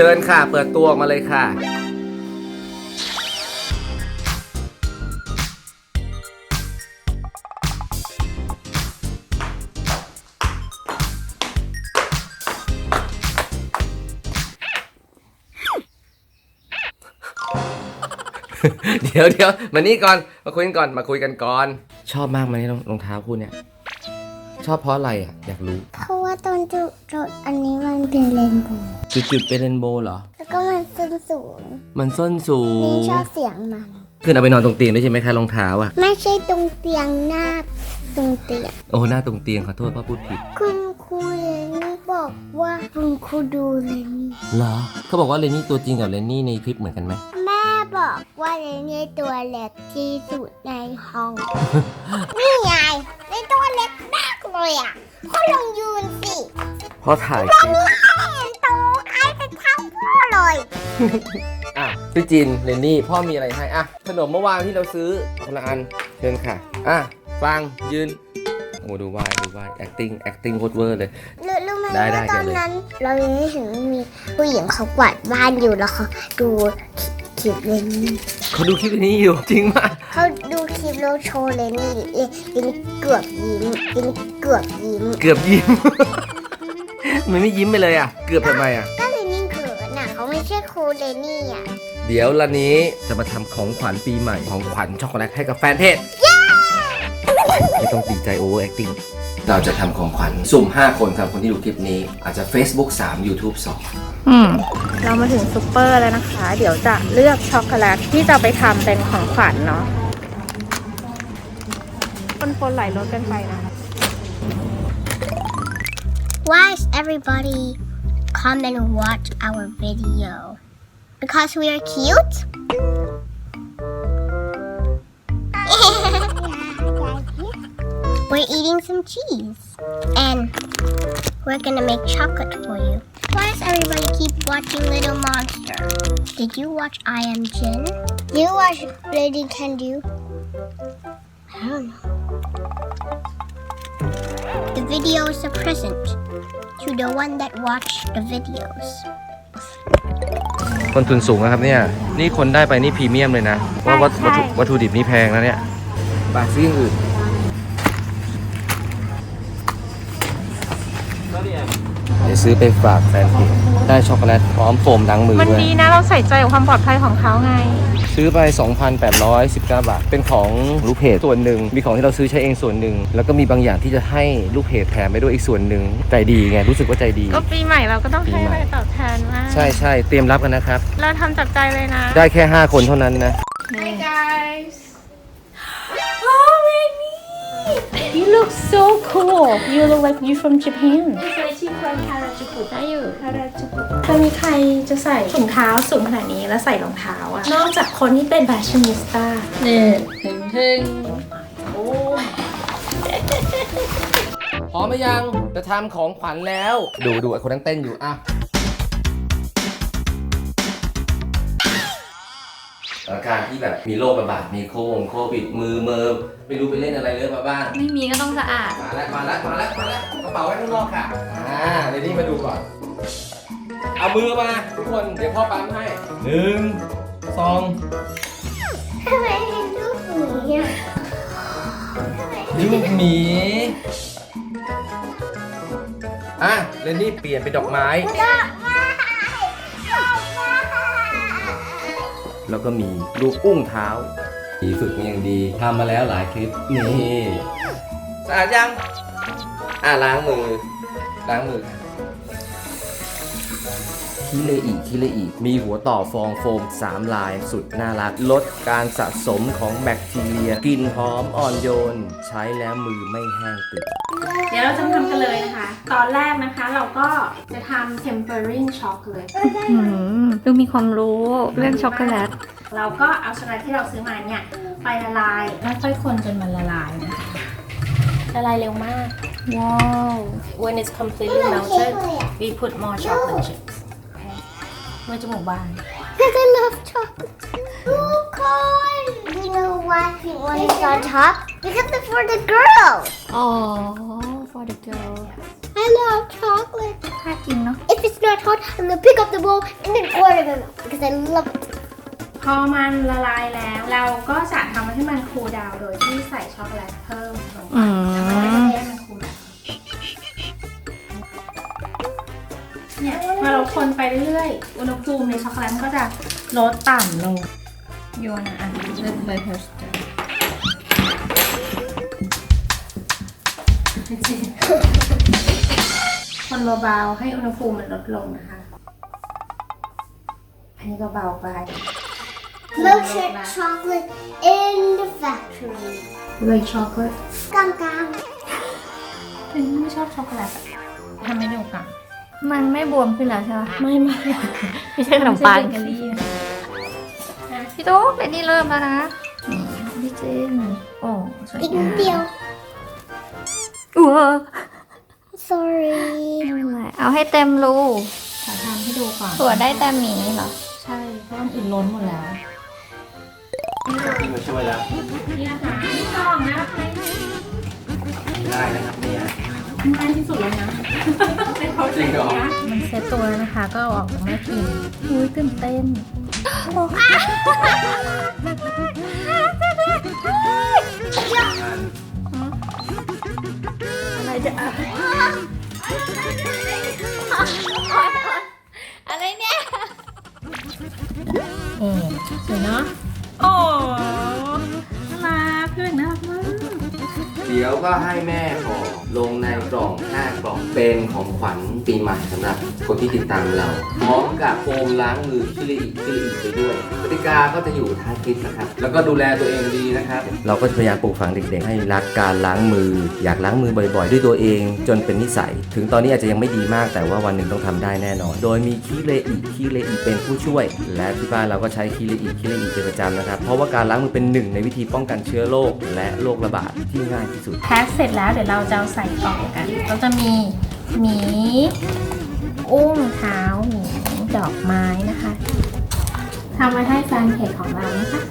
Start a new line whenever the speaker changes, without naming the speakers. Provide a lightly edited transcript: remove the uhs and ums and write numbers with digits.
ชิญค่ะเปิดตัวออกมาเลยค่ะเดี๋ยวมานี่ก่อนมาคุยกันก่อนชอบมากไหมรองเท้าคู่เนี่ยชอบเพราะอะไรอ่ะอยากรู้
เพราะว่าตอนจุดอันนี้มันเป็นเรนโบว์
จุดเป็นเรนโบว์เหรอ
แล้วก็มันส้นสูงนี่ชอบเสียงมัน
คือเอาไปนอนตรงเตียงได้ใช่ไหมคะรองเท้าอ่ะ
ไม่ใช่ตรงเตียงหน้าตรงเตียง
โอ้หน้าตรงเตียงขอโทษพ่อพูดผิด
คุณครูเรนนี่บอกว่าคุณครูดูเรนนี่
เหรอเขาบอกว่าเรนนี่ตัวจริงกับเรนนี่ในคลิปเหมือนกันไหม
แม่บอกว่าเรนนี่ตัวเล็กที่สุดในห้อง นี่ไงเรนตัวเล็กมากเลยอ่ะพ่อลองยืนสิ
พ่อถ่ายคลิป
เห็นโตใครเป็นเท่าพ่อเลย
อ่ะพี่จินเรนนี่พ่อมีอะไรให้อ่ะขนมเมื่อวานที่เราซื้อคนละอันเชิญค่ะอ่ะฟังยืนโอ้ดูวายacting โคตรเวอร์เลย
รู้ไหมว่าตอนนั้นเรายังไม่ถึงมีผู้หญิงเขากวาดบ้านอยู่แล้วเขาดูคลิปเลนนี่
เขาดูคลิปนี้อยู่จริงมาก
เขาดูคลิปแล้วโชว์เลนนี่เกือบยิ้ม
มันไม่ยิ้มไปเลยอ่ะเกือบทำไมอ่ะ
ก็เลนนี่เขินน่ะเขาไม่ใช่ครูเลนนี่อ่ะ
เดี๋ยวละนี้จะมาทำของขวัญปีใหม่ของขวัญช็อกโกแลตให้กับแฟนเพจไม่ต้องตีใจโอเวอร์แอคติ้งเราจะทำของขวัญสุ่ม5คนครับคนที่ดูคลิปนี้อาจจะ Facebook 3 YouTube 2
เรามาถึงซุปเปอร์แล้วนะคะเดี๋ยวจะเลือกช็อกโกแลตที่จะไปทำเป็นของขวัญเนาะปนไหลรถกันไปนะคะ
Why is everybody come and watch our video? Because we are cute? We're eating some cheese and we're gonna make chocolate for you. Why does everybody keep watching Little Monster? Did you watch I Am Jin? Did you watch Lady Can Do? I don't know. The video is a present to the one that watched the videos.
ต้นทุนสูงนะครับเนี่ยนี่คนได้ไปนี่พรีเมียมเลยนะเพราะวัตถุดิบนี่แพงนะเนี่ยบาทซื้ออย่างอื่นเดี๋ยวซื้อไปฝากแฟนเพจได้ช็อกโกแลตพร้อมโฟมล้างมือด้วย
มันดีนะเราใส่ใจกับความปลอดภัยของเขาไง
ซื้อไป 2,819 บาทเป็นของลูกเพจส่วนหนึ่งมีของที่เราซื้อใช้เองส่วนหนึ่งแล้วก็มีบางอย่างที่จะให้ลูกเพจแถมไปด้วยอีกส่วนหนึ่งใจดีไงรู้สึกว่าใจดี
ก็ปีใหม่เราก็ต้องให้อะไรตอบแทนมาก
ใช่เตรียมรับกันนะครับ
เราทำจากใจเลยนะ
ได้แค่5คนเท่านั้นนะ
Hi guys Oh Rennie You look so cool You look like you from Japan ได้อยู่จะมีใครจะใส่ถุงเท้าสูงขนาดนี้แล้วใส่รองเท้าอะนอกจากคนที่เป็นแฟชั่นนิสต้านี่ถึงโอ้
พร้อมหรือยังจะทำของขวัญแล้วดูไอ้คนนั้นเต้นอยู่อ่ะการที่แบบมีโรคระบาดมีโควิดมือไม่รู้ไปเล่นอะไรเลยมาบ้าง
ไม่มีก็ต้องสะอาด
มาแล้วกระเป๋าไว้ข้างนอกค่ะเดี๋ยวนี้มาดูก่อนเอามือมาทุกคนเดี๋ยวพ่อปั๊มให้1 2
ทำไมเป็นรูปหมีอ่ะ
รูปหมีเรนนี่เปลี่ยนเป็นดอกไม้แล้วก็มีรูปอุ้งเท้าฝึกมาอย่างดีทำมาแล้วหลายคลิปนี่สะอาดยังล้างมือคิเลอีมีหัวต่อฟองโฟม3ลายสุดน่ารักลดการสะสมของแบคทีเรียกลิ่นหอมอ่อนโยนใช้แล้วมือไม่แห้งติด
เดี๋ยวเราจะทำกันเลยนะคะตอนแรกนะคะเราก็จะทำ tempering chocolate ดูมีความรู้เรื่องช็อกโกแลตเราก็เอาช็อกโกแลตที่เราซื้อมาเนี่ยไปละลายแล้วค่อยคนจนมันละลายนะคะละลายเร็วมากว้าว when it's completely melted we put more chocolate chips มันจะหมูบาน
Because I love chocolate. Oh God! You know why he wanted on top? Because it's for the girls.
Oh, for the girls.
I I love chocolate.
ถ้ากินเนาะ
If it's not hot, I'm gonna pick up the bowl and then order them because I love it.
พอมันละลายแล้ว เราก็จะทำให้มันคูลดาวน์โดยที่ใส่ช็อกโกแลตเพิ่มลงไปแล้วก็ให้มันคูลดาวน์เนี่ยพอเราคนไปเรื่อยๆ อุณหภูมิในช็อกโกแลตมันก็จะลดต่ำลงโยนอ่ะเริ่มเลยเพิร์สคนเบาๆให้อุณหภูมิมันลดลงนะคะ อันนี้เบาๆไป
Milkshake chocolate in the factory.
เลยช็อกโกแลต
Gum gum.
เป็นไม่ชอบช็อกโกแลตอะทำไม่ได้กัน
มันไม่บวมขึ้นแล้วใช่ไหม
ไม่
ไม่ใช่ขนมปัง
ไใช่เบเกอรี่นะ
พี่ตุ๊กเรนนี่เริ่มแล้วนะนี่พี่เจนโอ้สวย
Big
งาม
deal.
อ้ว
Sorry.
ไม่เป็นไรเอาให้เต็มรู
ขอทำให้ดูก่อน
ถั่วได้แต่หมีเหรอ
ใช่เพราะมันอื่นล้นหมดแล้ว
พี่มาช่วยแล้ว
นี่นะคะนี่กล่องนะ
ง่ายนะครับเนี่ย
ง่ายที่สุดแล้วนะในเขา
จริงเหรอ
มันเซตตัวแล้วนะคะ ก็เอาออกจากแม่พิมพ์อุ้ยตื่นเต้นอะไรจะอะไรเนี่ย
สวยเนาะโอ้น่ารักเพื่อนน่ารักมาก
เดี๋ยวก็ให้แม่ห่อลงในกล่อง5 กล่องเป็นของขวัญปีใหม่สำหรับคนที่ติดตามเรา พร้อมกับโฟมล้างมือคิริอิไปด้วยกติกาก็จะอยู่ท้ายคลิปนะครับ แล้วก็ดูแลตัวเองดีนะครับ เราก็จะพยายามปลูกฝังเด็กๆ ให้รักการล้างมือ อยากล้างมือบ่อยๆ ด้วยตัวเองจนเป็นนิสัย ถึงตอนนี้อาจจะยังไม่ดีมากแต่ว่าวันหนึ่งต้องทำได้แน่นอน โดยมีคิเลอิเป็นผู้ช่วย และที่บ้านเราก็ใช้คิเลอิเป็นประจำนะครับเพราะว่าการล้างมือเป็นหนึ่งในวิธีป้องกันเชื้อโรคและโรคระบาดที่ง่ายที่สุด
แพ็คเสร็จแล้วเดี๋ยวเราจะเอาใส่กล่องกันก็จะมีหมีอุ้งเท้าหมีดอกไม้นะคะทำไว้ให้แฟนเพจของเรานะคะ